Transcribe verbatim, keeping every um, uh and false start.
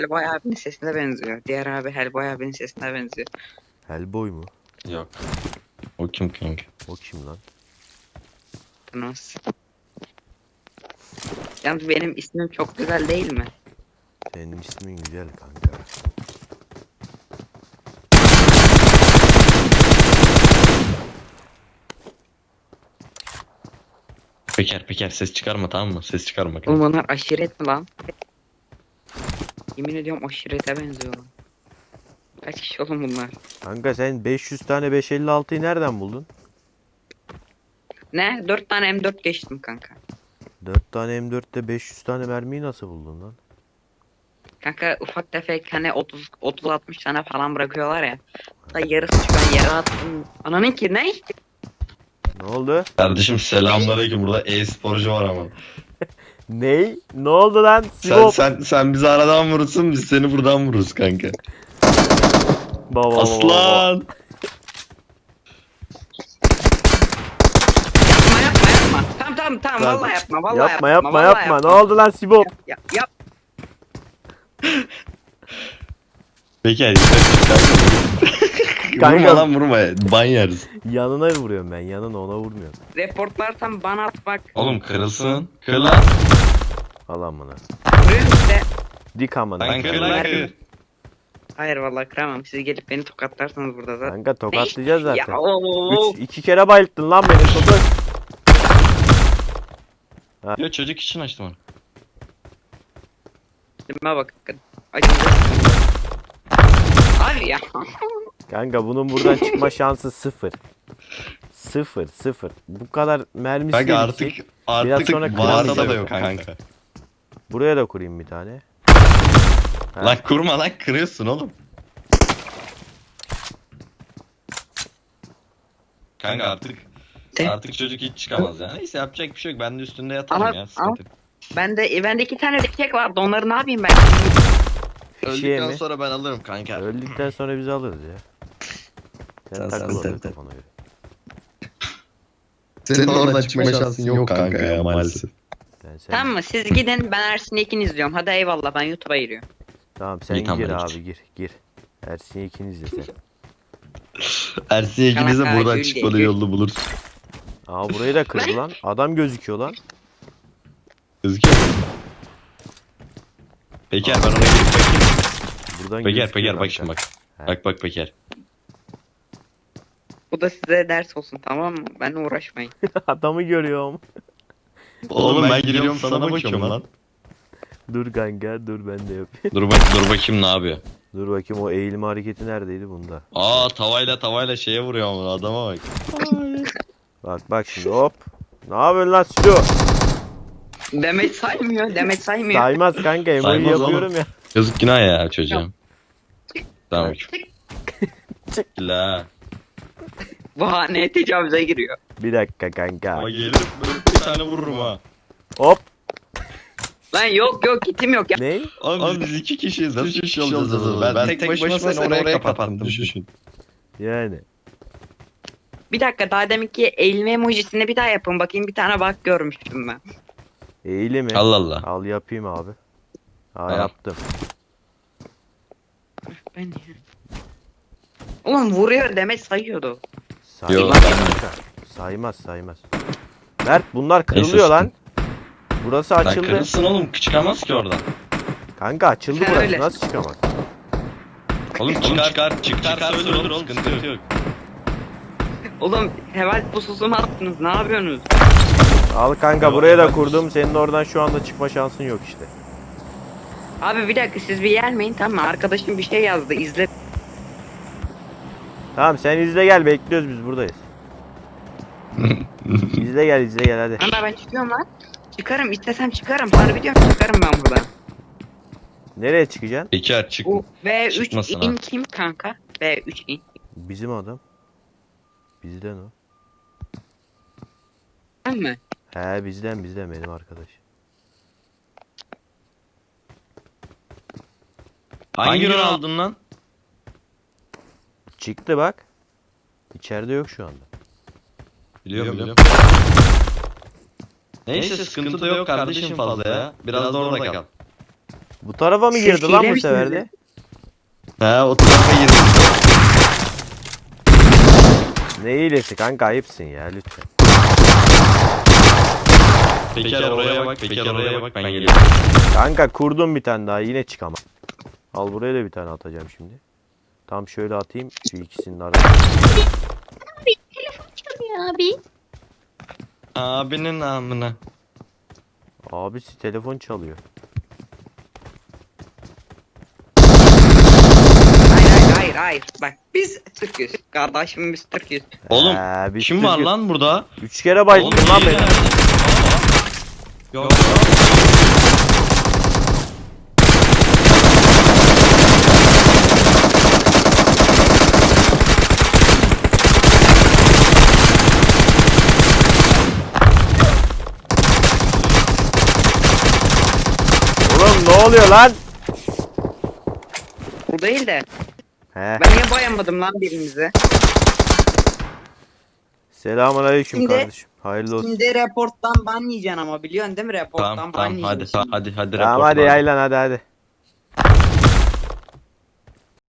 Hellboy abinin sesine benziyor. Diğer abi Hellboy abinin sesine benziyor. Hellboy mu? Yok. O kim kanka? O kim lan? Thanos. Yalnız benim ismim çok güzel değil mi? Senin ismin güzel kanka. Peker Peker ses çıkarma, tamam mı? Ses çıkarma Oğlum kanka. bunlar aşiret mi lan? Yemin ediyorum aşirete benziyor lan. Kaç kişi oğlum bunlar? Kanka sen beş yüz tane beş elli altıyı nereden buldun? Ne? dört tane M dört geçtim kanka. dört tane M dörtte beş yüz tane mermiyi nasıl buldun lan? Kanka ufak tefek hani otuz otuz altmış tane falan bırakıyorlar ya. Da yarısı çıkan yere attım. Ananın ki ne? Ne oldu? Kardeşim selamünaleyküm, burada e-sporcu var ama. Ney? Ne oldu lan? Sen Sibop. sen sen bizi aradan vurursun, biz seni buradan vururuz kanka. Baba, baba, baba. Aslan. Yapma yapma yapma. Tamam tamam tamam Lan, vallahi yapma vallahi Yapma yapma vallahi yapma. Ne oldu lan Sibop? Yap yap. Peker yukarı çık kanka. Kanka. Vurma lan vurma, ban yeriz. Yanına vuruyorum ben. Yanına, ona vurmuyorum. Reportlarsam bana at bak. Oğlum kırılsın. Kır lan. Al amına. Vuruyorum işte. Dik amına. Lan kır lan kır. Hayır vallahi kıramam. Siz gelip beni tokatlarsanız burada zaten. Kanka tokatlayacağız Ya zaten. ooo. Üç, iki kere bayılttın lan beni topuk. Yo, çocuk için açtım onu. Dime bakın. Acınca. Abi ya. Kanka bunun buradan çıkma şansı sıfır. Sıfır sıfır. Bu kadar mermisi Kanka yedik. artık artık sonra varsa kıramayacağım da yok kanka. Buraya da kurayım bir tane. Ha. Lan kurma lan, kırıyorsun oğlum. Kanka artık De. artık çocuk hiç çıkamaz ya. Neyse yapacak bir şey yok. Ben de üstünde yatarım Ama- ya. Sıkıntı. yok. Bende bende iki tane dikek vardı. Onları ne yapayım ben? Fişiye Öldükten mi? sonra ben alırım kanka. Öldükten sonra bizi alırız ya. Sen, Sen- takıl sen- orada sen- kafana göre. Senin oradan çıkma şansın yok kanka ya maalesef. Ben sen... Tamam mı? Siz gidin, ben Ersin Yekin izliyorum. Hadi eyvallah, ben YouTube'a giriyorum. Tamam sen İyi, tamam, gir hadi abi git. gir gir. Ersin ikiniz de sen. Ersin ikiniz de Kanka, buradan gül çıkmanın değil. yolunu bulur. Aa burayı da kırdı lan. Adam gözüküyor lan. Gözüküyor mu? Peker ben ona girip bakayım. Buradan Peker gözüküyor Peker bak kanka. şimdi bak. He. Bak bak Peker. Bu da size ders olsun, tamam mı? Benle uğraşmayın. Adamı görüyorum. Oğlum ben giriyorum sana bakıyorum lan. Dur kanka dur ben de yapayım. Dur bak dur bakayım ne yapıyor. Dur bakayım o eğilme hareketi neredeydi bunda. Aa tavayla tavayla şeye vuruyor ama adama bak. Bak bak şimdi hop. Ne yapıyorsun lan Silo? Demet saymıyor, Demet saymıyor. Saymaz kanka emoji Saymaz yapıyorum oğlum. ya. Yazık günah ya çocuğa. Tamam. Çık. La. Bu hane tecavüze giriyor. Bir dakika kanka. Ama gelir böyle bir tane vururum ha. Hop. Lan yok yok, kitim yok ya. Ne? Abi biz iki kişiyiz. Nasıl üç kişi olacağız? Ben, ben tek başıma seni oraya kapattım. Düşün. Yani. Bir dakika, daha deminki eğilme emojisini bir daha yapın bakayım, bir tane bak görmüştüm ben. Eğili mi? Allah Allah. Al yapayım abi. Ha Tamam. yaptım. Ben ya. Oğlum vuruyor, Demet sayıyordu. Saymaz Yok, kanka. Saymaz saymaz. Mert bunlar kırılıyor Neyse, lan. Burası Lan açıldı. kırılsın oğlum, çıkamaz ki oradan. Kanka açıldı Ha, burası. öyle. Nasıl çıkamaz? Oğlum çıkar çıkar çıkar, çıkar ölür oğlum, sıkıntı yok. Oğlum heval pususu mu attınız, ne yapıyorsunuz? Al kanka Yok, buraya da evet. kurdum. Senin oradan şu anda çıkma şansın yok işte. Abi bir dakika, siz bir gelmeyin, tamam mı? Arkadaşım bir şey yazdı, izle. Tamam sen izle gel, bekliyoruz biz buradayız. İzle gel izle gel hadi. Ama ben çıkıyorum lan. Çıkarım, istesem çıkarım. Harbi diyorum, çıkarım ben buradan. Nereye çıkacaksın? Peker çık. O B üç Çıkmasın in ha. kim kanka? B üç in. Bizim adam. Bizden o. Tamam mı? He bizden bizden benim arkadaş. Hangi ürün aldın lan? Çıktı bak. İçeride yok şu anda. Biliyorum biliyorum. Neyse sıkıntı da yok kardeşim fazla ya. Biraz da orada kal. Bu tarafa mı Siz girdi lan hile bu misiniz sefer de? ya? Ha o tarafa girdi. Ne iyilesi kanka, ayıpsın ya lütfen. Bekar oraya bak, Bekar oraya bak, ben geliyorum. Kanka kurdum bir tane daha, yine çıkamam. Al buraya da bir tane atacağım şimdi. Tam şöyle atayım şu ikisinin arasına. Abi telefon çalıyor abi. Abinin amına. Abisi telefon çalıyor. Hayır hayır hayır hayır. Bak biz Türk'üz. Kardeşim biz Türk'üz. Oğlum Ee, biz kim var Türk'üz. lan burada? Üç kere bayıldım Oğlum, lan iyi beni. lan. Yok. Oğlum ne oluyor lan? Bu değil de. He. Ben niye boyamadım lan birimizi? Selamun aleyküm Şimdi- kardeşim. Hayırlı olsun. Şimdi reporttan ban yiyeceksin ama biliyorsun değil mi reporttan Tamam ban tamam hadi yiyeceksin. hadi hadi Tamam rapor hadi var. yaylan hadi hadi.